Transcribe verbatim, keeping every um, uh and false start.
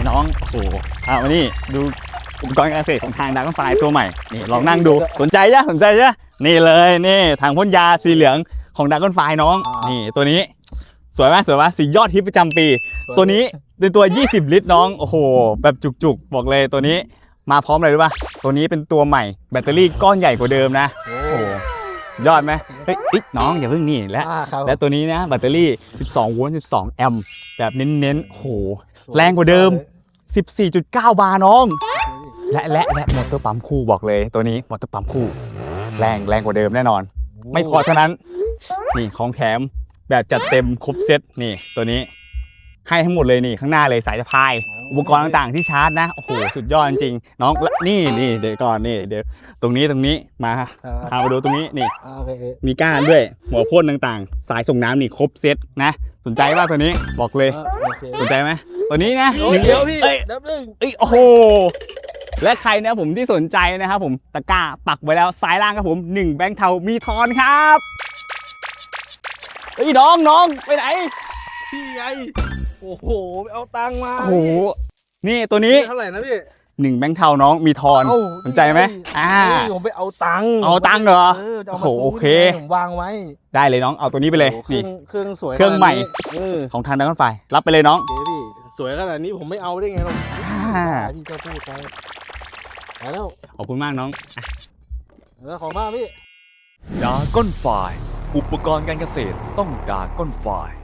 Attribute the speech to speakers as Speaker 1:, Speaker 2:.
Speaker 1: น้องโอ้โหเอามานี่ดูอุปกรณ์การเกษตรของทางดราก้อนไฟตัวใหม่นี่ลองนั่งดูสนใจจ้ะสนใจจ้ะนี่เลยนี่ถังพ่นยาสีเหลืองของดราก้อนไฟน้องนี่ตัวนี้สวยไหมสวยไหมสียอดฮิตประจำปีตัวนี้เป็นตัวยี่สิบลิตรน้องโอ้โหแบบจุกๆบอกเลยตัวนี้มาพร้อมอะไรรู้ป่ะตัวนี้เป็นตัวใหม่แบตเตอรี่ก้อนใหญ่กว่าเดิมนะโอ้โหสุดยอดไหมเฮ้ยน้องอย่าเพิ่งนี่และและตัวนี้นะแบตเตอรี่สิบสองโวลต์สิบสองแอมป์แบบเน้นๆโอ้โหแรงกว่าเดิม สิบสี่จุดเก้า บาร์น้องและและและมอเตอร์ปั๊มคู่บอกเลยตัวนี้มอเตอร์ปั๊มคู่แรงแรงกว่าเดิมแน่นอนไม่พอเท่านั้นนี่ของแถมแบบจัดเต็มครบเซตนี่ตัวนี้ให้ทั้งหมดเลยนี่ข้างหน้าเลยสายสะพายอุปกรณ์ต่างๆที่ชาร์จนะโอ้โหสุดยอดจริงๆน้องนี่นี่เดี๋ยวก่อนนี่เดี๋ยวตรงนี้ตรงนี้มาพามาดูตรงนี้นี่มีก้านด้วยหัวพ่นต่างๆสายส่งน้ำนี่ครบเซตนะสนใจว่าตัวนี้บอกเลยสนใจไหมตัวนี้นะ
Speaker 2: เดี๋ยวพี่ดับหนึ่ง
Speaker 1: เอ้ยโอ้โหและใครนะผมที่สนใจนะครับผมตะกร้าปักไว้แล้วซ้ายล่างครับผมหนึ่งแบงค์เทามีทอนครับเฮ้ยน้องน้องไปไหน
Speaker 2: พี่ไงโอ้โหไปเอาตังค์มา
Speaker 1: โอ้โหนี่ตัวนี้
Speaker 2: เท่าไหร่นะพี่
Speaker 1: หนึ่งแบงค์เทาน้องมีทอนสนใจไหมอ่า
Speaker 2: ผมไปเอาตังค์
Speaker 1: เอาตังค์เหรอโอ้โหโอเค
Speaker 2: ผมวางไว้
Speaker 1: ได้เลยน้องเอาตัวนี้ไปเลยนี่
Speaker 2: เครื่องสวย
Speaker 1: เครื่องใหม่ของทางดราก้อนไฟรับไปเลยน้อง
Speaker 2: เดี๋ยวพี่สวยขนาดนี้ผมไม่เอาได้ไงหรอกพี่ก็พูดไปแล้ว
Speaker 1: ขอบคุณมากน้อง
Speaker 2: แล้วขอบมากพี่
Speaker 3: ดราก้อนไฟอุปกรณ์การเกษตรต้องดราก้อนไฟ